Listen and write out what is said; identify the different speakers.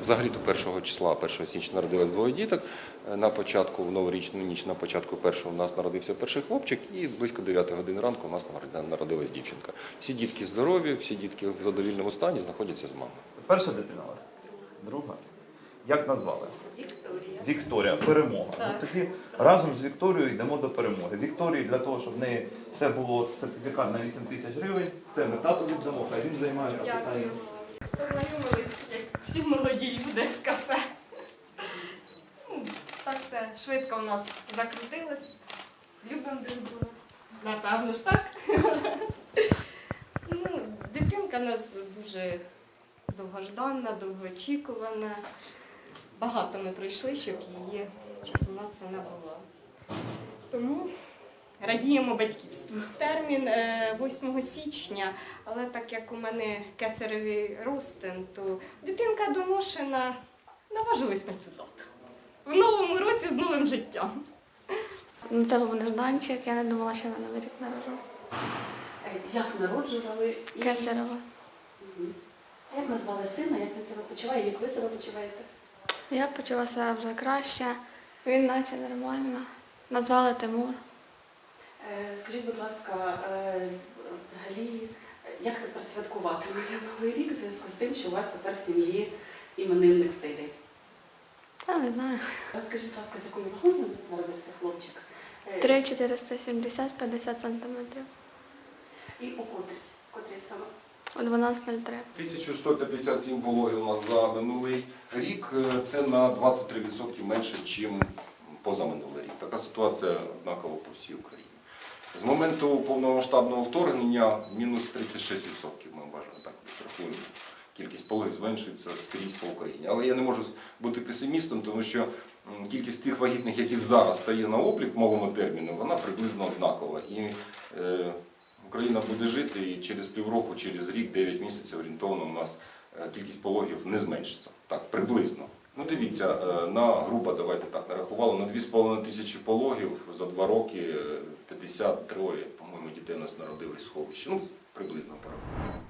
Speaker 1: Взагалі-то 1 числа, 1 січня народилось двоє діток. На початку, в новорічну ніч, на початку першого у нас народився перший хлопчик і близько 9 години ранку у нас народилась дівчинка. Всі дітки здорові, всі дітки в задовільному стані знаходяться з мамою.
Speaker 2: Перша дитина у вас? Друга? Як назвали?
Speaker 3: Вікторія.
Speaker 2: Вікторія, перемога.
Speaker 3: Так.
Speaker 2: Ну, тоді разом з Вікторією йдемо до перемоги. Вікторії для того, щоб в неї все було сертифікат на 8 тисяч гривень, це ми тату віддамо, хай він займається питанням.
Speaker 3: Дякую. Познайомились, як всі молоді люди в кафе. Так все швидко у нас закрутилось. Любимо друг друга. Напевно ж так. Дитинка у нас дуже довгожданна, довгоочікувана. Багато ми пройшли, щоб у нас вона була. Тому радіємо батьківству. Термін 8 січня, але так як у мене кесаревий розтин, то дитинка доношена, наважилась на цю дату. В новому році з новим життям.
Speaker 4: Це був нежданчик, я не думала, що на Новий рік народжу.
Speaker 5: Як народжували?
Speaker 4: Кесарева.
Speaker 5: А як назвали сина, як він себе почуває, як ви себе почуваєте?
Speaker 4: Я почула себе вже краще, він наче нормально. Назвали Тимур.
Speaker 5: Скажіть, будь ласка, взагалі, як тепер святкувати Новий рік в зв'язку з тим, що у вас тепер в сім'ї іменинник в цей день?
Speaker 4: Я не знаю.
Speaker 5: Розкажіть, будь ласка, з якою вагою народився хлопчик?
Speaker 4: 3,470, 50 сантиметрів.
Speaker 5: І у котрій саме?
Speaker 4: О 12.03.
Speaker 1: 1157 пологів у нас за минулий рік. Це на 23% менше, ніж позаминулий рік. Така ситуація однакова по всій Україні. З моменту повномасштабного вторгнення мінус 36% ми вважаємо, так рахуємо. Кількість пологів зменшується скрізь по Україні. Але я не можу бути песимістом, тому що кількість тих вагітних, які зараз стає на облік в мовому терміну, вона приблизно однакова. І Україна буде жити, і через півроку, через рік, 9 місяців орієнтовно у нас кількість пологів не зменшиться. Так, приблизно. Ну дивіться, грубо, давайте так, нарахували, на 2,5 тисячі пологів за 2 роки 53, по-моєму, дітей у нас народились в сховищі. Ну, приблизно порахуємо.